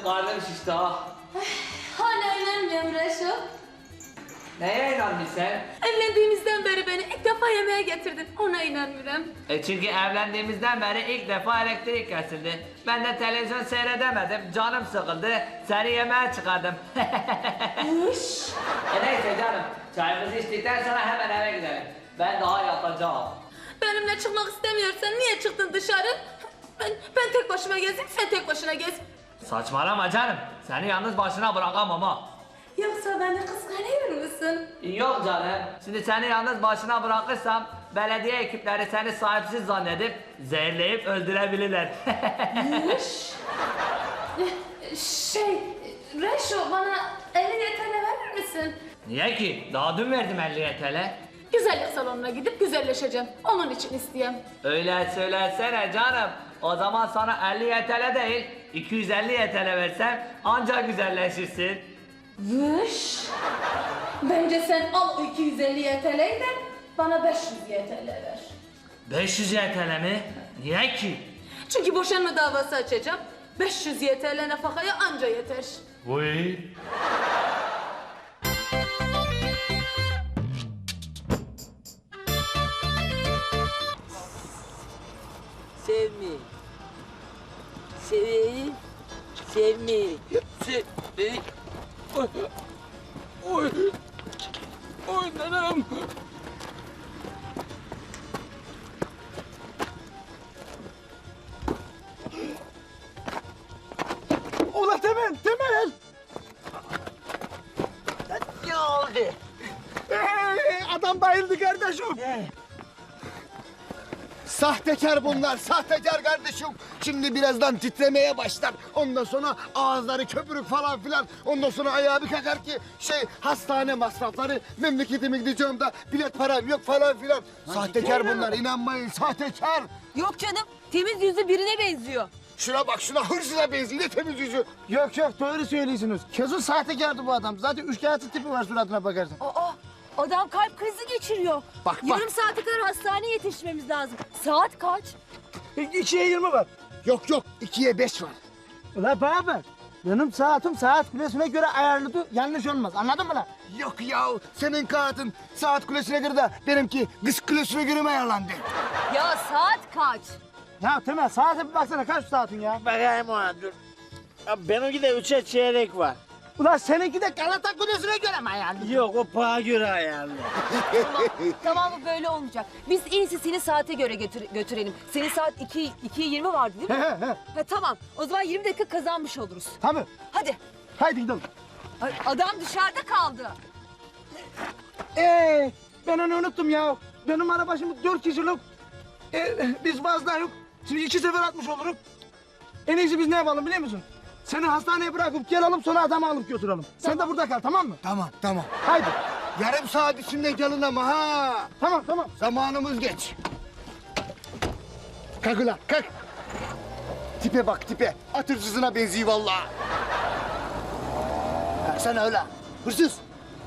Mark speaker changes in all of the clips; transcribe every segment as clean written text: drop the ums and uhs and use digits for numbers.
Speaker 1: karnım şişti ha.
Speaker 2: Hala inanmıyorum Reşo.
Speaker 1: Neye inandın sen?
Speaker 2: Evlendiğimizden beri beni ilk defa yemeğe getirdin. Ona inanmıyorum.
Speaker 1: Çünkü evlendiğimizden beri ilk defa elektrik kesildi. Ben de televizyon seyredemedim. Canım sıkıldı. Seni yemeğe çıkardım.
Speaker 2: Uş.
Speaker 1: Neyse canım. Çayımızı içtikten sonra hemen eve gidelim. Ben daha yatacağım.
Speaker 2: Benimle çıkmak istemiyorsan niye çıktın dışarı? Ben tek başıma gezeyim, sen tek başına gez.
Speaker 1: Saçmalama canım. Seni yalnız başına bırakamam ha.
Speaker 2: Yoksa beni kıskanıyor musun?
Speaker 1: Yok canım. Şimdi seni yalnız başına bırakırsam belediye ekipleri seni sahipsiz zannedip zehirleyip öldürebilirler.
Speaker 2: Uş. Reşo bana 50 TL verir misin?
Speaker 1: Niye ki? Daha dün verdim 50 TL.
Speaker 2: Güzellik salonuna gidip güzelleşeceğim. Onun için isteyeyim.
Speaker 1: Öyle söylesene canım. O zaman sana 50 TL değil 250 TL versem ancak güzelleşirsin.
Speaker 2: Vış. Bence sen al o 250 YTL'yi de bana 500 YTL ver.
Speaker 1: 500 TL mi? Niye ki?
Speaker 2: Çünkü boşanma davası açacağım. 500 YTL nafakaya anca yeter.
Speaker 1: Vay.
Speaker 3: Sevmeyi. Seveyim. Sevmeyi. Sevmeyi. Oy. Oy. Oy nanam.
Speaker 4: Ulan Temel, Temel!
Speaker 3: Ne oldu?
Speaker 4: Adam bayıldı kardeşim. Sahtekar bunlar, sahtekar kardeşim. Şimdi birazdan titremeye başlar. Ondan sonra ağızları köpürük falan filan. Ondan sonra ayağı bir kakar ki hastane masrafları. Memleketime gideceğim de bilet param yok falan filan. Sahtekar bunlar, inanmayın sahtekar.
Speaker 5: Yok canım, temiz yüzlü birine benziyor.
Speaker 4: Şuna bak, şuna hırsıza benziyor, ne temiz yüzü. Yok yok, doğru söylüyorsunuz. Kesin sahtekardı bu adam. Zaten üçkağıtçı tipi var suratına bakarsan.
Speaker 5: Aa, adam kalp krizi geçiriyor.
Speaker 4: Bak, bak.
Speaker 5: Yarım saate kadar hastaneye yetişmemiz lazım. Saat kaç?
Speaker 4: 2'ye 20 var. Yok yok, 2'ye 5 var. Ulan bana bak. Benim saatim saat kulesine göre ayarlıdır. Yanlış olmaz. Anladın mı lan? Yok ya, senin kağıtın saat kulesine göre de benimki kız kulesine göre mi ayarlandı?
Speaker 5: Ya saat kaç?
Speaker 4: Ya Temel, saate bir baksana, kaç saatin ya?
Speaker 6: Bakayım ona dur. Ya benimki de 3'e çeyrek var.
Speaker 4: Ulan seninki de Galata kulesine göre mi ayarlı?
Speaker 6: Yok o paha göre ayarlı.
Speaker 5: Tamam bu böyle olmayacak. Biz en iyisi seni saate göre götürelim. Senin saat 2'ye 20 vardı değil mi? Ha, tamam. O zaman 20 dakika kazanmış oluruz.
Speaker 4: Tabii.
Speaker 5: Hadi.
Speaker 4: Haydi gidelim.
Speaker 5: Ay, adam dışarıda kaldı.
Speaker 4: Ben onu unuttum ya. Benim araba şimdi 4 kişilik. Biz fazla yok. Şimdi 2 sefer atmış olurum. En iyisi biz ne yapalım biliyor musun? Seni hastaneye bırakıp gelelim, sonra adamı alıp götürelim. Sen de burada kal, tamam mı? Tamam, tamam. Haydi. Yarım saat içinde gelin ama ha. Tamam, tamam. Zamanımız geç. Kalk ulan, kalk. Tipe bak, tipe. At hırsızına benziyor vallahi. Baksana öyle. Hırsız.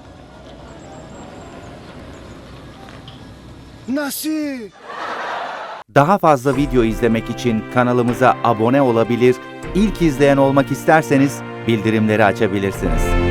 Speaker 4: Nasıl?
Speaker 7: Daha fazla video izlemek için kanalımıza abone olabilir, ilk izleyen olmak isterseniz bildirimleri açabilirsiniz.